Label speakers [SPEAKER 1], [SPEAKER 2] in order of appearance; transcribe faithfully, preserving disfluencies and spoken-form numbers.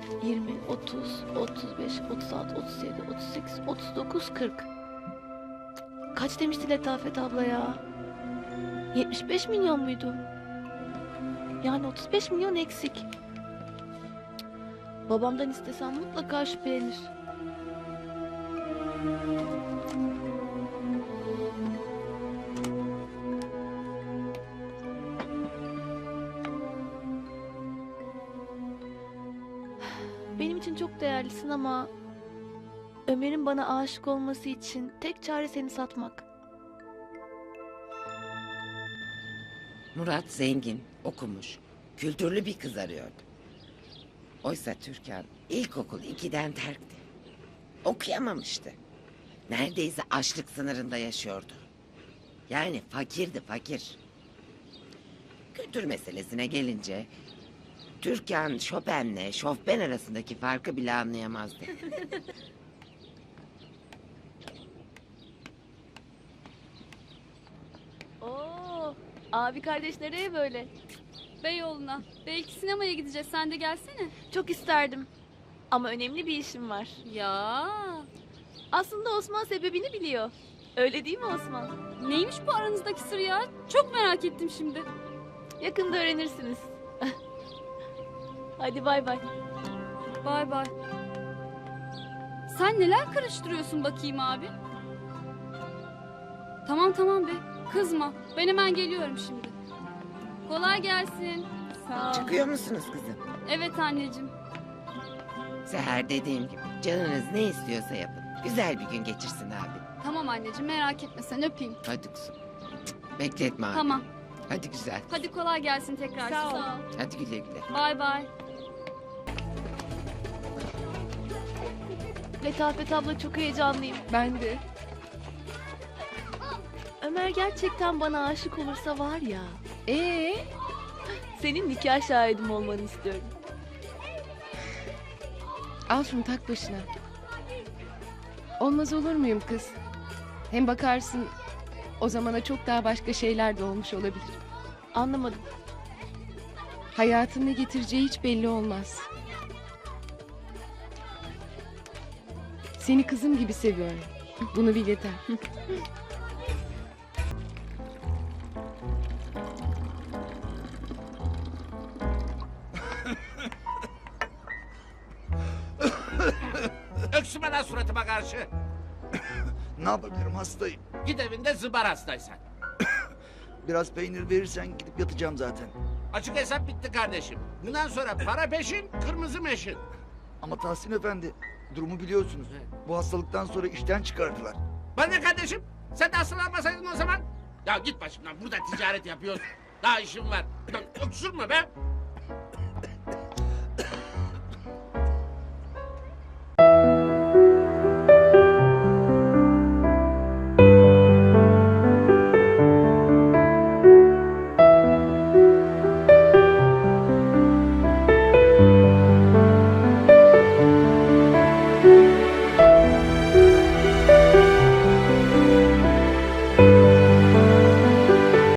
[SPEAKER 1] yirmi, otuz, otuz beş, otuz altı, otuz yedi, otuz sekiz, otuz dokuz, kırk. Kaç demişti Letafet abla ya? yetmiş beş milyon muydu? Yani otuz beş milyon eksik. Babamdan istesem mutlaka şüphelenir. Benim için çok değerlisin ama Ömer'in bana aşık olması için tek çare seni satmak.
[SPEAKER 2] Murat zengin, okumuş, kültürlü bir kız arıyordu. Oysa Türkan ilkokul ikiden terkti. Okuyamamıştı. Neredeyse açlık sınırında yaşıyordu. Yani fakirdi fakir. Kültür meselesine gelince Türkan Chopin'le Chopin arasındaki farkı bile anlayamazdı.
[SPEAKER 1] Oo, abi kardeş nereye böyle?
[SPEAKER 3] Beyoğlu'na. Belki sinemaya gideceğiz. Sen de gelsene.
[SPEAKER 1] Çok isterdim. Ama önemli bir işim var.
[SPEAKER 3] Ya.
[SPEAKER 1] Aslında Osman sebebini biliyor. Öyle değil mi Osman?
[SPEAKER 3] Neymiş bu aranızdaki sır ya? Çok merak ettim şimdi.
[SPEAKER 1] Yakında öğrenirsiniz. Hadi bay bay.
[SPEAKER 3] Bay bay. Sen neler karıştırıyorsun bakayım abi? Tamam tamam be. Kızma. Ben hemen geliyorum şimdi. Kolay gelsin. Sağ ol.
[SPEAKER 2] Çıkıyor musunuz kızım?
[SPEAKER 3] Evet anneciğim.
[SPEAKER 2] Seher dediğim gibi canınız ne istiyorsa yapın. Güzel bir gün geçirsin abi.
[SPEAKER 3] Tamam anneciğim merak etme sen öpeyim.
[SPEAKER 2] Hadi kızım. Bekletme abi.
[SPEAKER 3] Tamam.
[SPEAKER 2] Hadi güzel.
[SPEAKER 3] Hadi kolay gelsin tekrar.
[SPEAKER 1] Sağ ol.
[SPEAKER 2] Hadi güle güle.
[SPEAKER 3] Bay bay.
[SPEAKER 1] Letafet abla çok heyecanlıyım.
[SPEAKER 4] Ben de.
[SPEAKER 1] Ömer gerçekten bana aşık olursa var ya,
[SPEAKER 4] Ee,
[SPEAKER 1] senin nikah şahidim olmanı istiyorum.
[SPEAKER 4] al şunu tak başına. Olmaz olur muyum kız? Hem bakarsın o zamana çok daha başka şeyler de olmuş olabilir.
[SPEAKER 1] Anlamadım.
[SPEAKER 4] Hayatın ne getireceği hiç belli olmaz. Seni kızım gibi seviyorum. Bunu bil yeter.
[SPEAKER 5] Öksüme lan suratıma karşı.
[SPEAKER 6] Ne yapabilirim, hastayım.
[SPEAKER 5] Git evinde zıbar hastaysan.
[SPEAKER 6] Biraz peynir verirsen gidip yatacağım zaten.
[SPEAKER 5] Açık hesap bitti kardeşim. Bundan sonra para peşin, kırmızı meşin.
[SPEAKER 6] Ama Tahsin Efendi, durumu biliyorsunuz. Bu hastalıktan sonra işten çıkardılar.
[SPEAKER 5] Bana ne kardeşim? Sen de hastalanmasaydın o zaman. Ya git başımdan, burada ticaret yapıyoruz. Daha işim var. Lan öksürme be.